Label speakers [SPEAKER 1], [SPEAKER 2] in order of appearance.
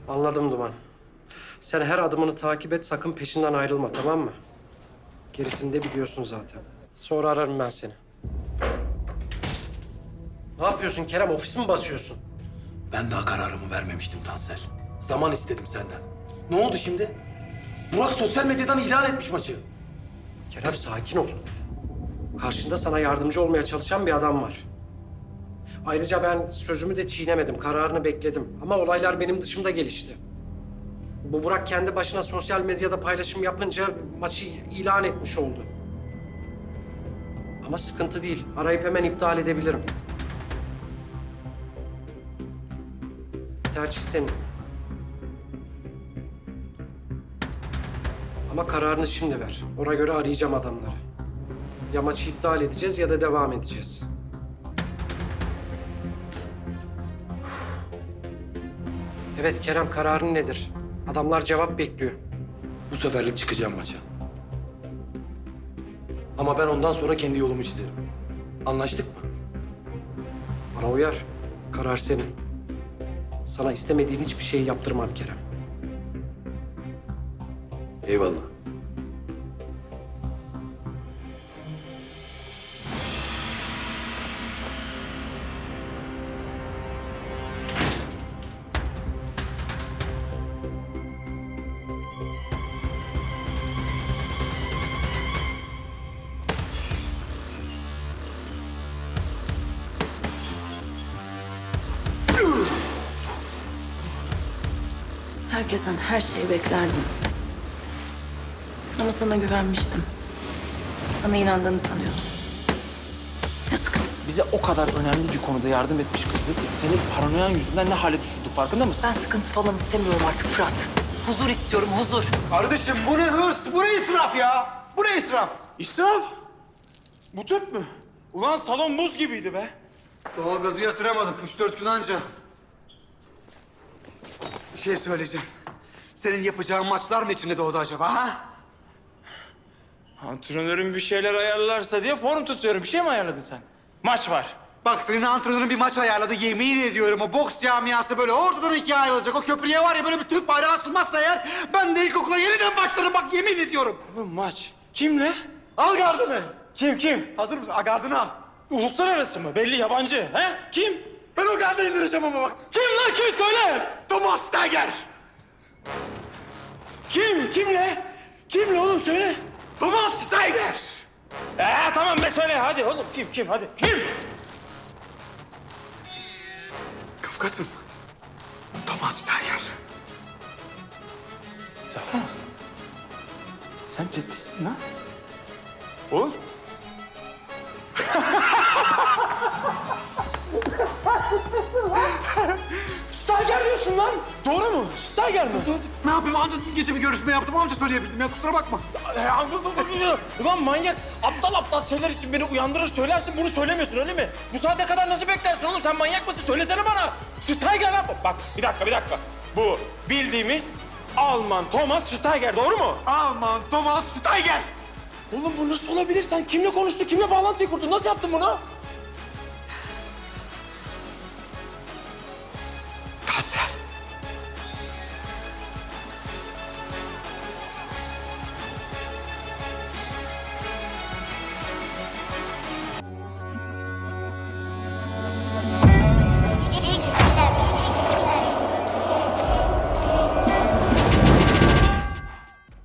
[SPEAKER 1] Anladım Duman. Sen her adımını takip et, sakın peşinden ayrılma, tamam mı? Gerisini de biliyorsun zaten. Sonra ararım ben seni. Ne yapıyorsun Kerem? Ofis mi basıyorsun?
[SPEAKER 2] Ben daha kararımı vermemiştim Tansel. Zaman istedim senden. Ne oldu şimdi? Burak sosyal medyadan ilan etmiş maçı.
[SPEAKER 1] Kerem sakin ol. Karşında sana yardımcı olmaya çalışan bir adam var. Ayrıca ben sözümü de çiğnemedim, kararını bekledim. Ama olaylar benim dışımda gelişti. Bu Burak kendi başına sosyal medyada paylaşım yapınca maçı ilan etmiş oldu. Ama sıkıntı değil, arayıp hemen iptal edebilirim. Tercih senin. Ama kararını şimdi ver. Ona göre arayacağım adamları. Ya maçı iptal edeceğiz ya da devam edeceğiz. Evet Kerem, kararın nedir? Adamlar cevap bekliyor.
[SPEAKER 2] Bu seferlik çıkacağım maça. Ama ben ondan sonra kendi yolumu çizerim. Anlaştık mı?
[SPEAKER 1] Bana uyar. Karar senin. Sana istemediğin hiçbir şeyi yaptırmam Kerem.
[SPEAKER 2] Eyvallah.
[SPEAKER 3] Herkesten her şeyi beklerdim. Ama sana güvenmiştim. Bana inandığını sanıyordum. Yazık.
[SPEAKER 4] Bize o kadar önemli bir konuda yardım etmiş kızı senin paranoyan yüzünden ne hale düşürdük farkında mısın?
[SPEAKER 3] Ben sıkıntı falan istemiyorum artık Fırat. Huzur istiyorum, huzur.
[SPEAKER 4] Kardeşim bu ne hırs, bu ne israf ya? Bu ne israf? İsraf? Bu tüp mü? Ulan salon buz gibiydi be.
[SPEAKER 5] Doğalgazı yatıramadık. 3-4 gün anca. Bir şey söyleyeceğim. Senin yapacağın maçlar mı içinde doğdu acaba ha?
[SPEAKER 4] Antrenörüm bir şeyler ayarlarsa diye form tutuyorum. Bir şey mi ayarladın sen? Maç var.
[SPEAKER 5] Bak senin antrenörün bir maç ayarladı. Yemin ediyorum o boks camiası böyle ortadan ikiye ayrılacak. O köprüye var ya böyle bir Türk bayrağı asılmazsa eğer ben de ilkokula yeniden başlarım bak yemin ediyorum.
[SPEAKER 4] Oğlum maç. Kimle?
[SPEAKER 5] Al gardını.
[SPEAKER 4] Kim?
[SPEAKER 5] Hazır mısın? Gardını al.
[SPEAKER 4] Uluslararası mı? Belli yabancı. He? Kim?
[SPEAKER 5] Ben o gardı indireceğim ama bak.
[SPEAKER 4] Kim lan kim söyle?
[SPEAKER 5] Thomas Steiger.
[SPEAKER 4] Kim? Kimle? Kimle oğlum söyle.
[SPEAKER 5] Thomas Steiger.
[SPEAKER 4] Tamam be söyle hadi oğlum kim hadi. Kim?
[SPEAKER 5] Kafkas'ım. Thomas Steiger.
[SPEAKER 4] Zafer. Sen ciddisin lan. Oğlum. Steiger diyorsun lan. Doğru mu? Steiger mi?
[SPEAKER 5] Ne yapayım? Anca dün gece bir görüşme yaptım. Anca söyleyebildim ya. Kusura bakma.
[SPEAKER 4] Ulan manyak. Aptal şeyler için beni uyandırır söylersin. Bunu söylemiyorsun öyle mi? Bu saate kadar nasıl beklersin oğlum? Sen manyak mısın? Söylesene bana. Steiger lan. Bak bir dakika. Bu bildiğimiz Alman Thomas Steiger doğru mu?
[SPEAKER 5] Alman Thomas Steiger.
[SPEAKER 4] Oğlum bu nasıl olabilir? Sen kimle konuştun? Kimle bağlantıyı kurdun? Nasıl yaptın bunu?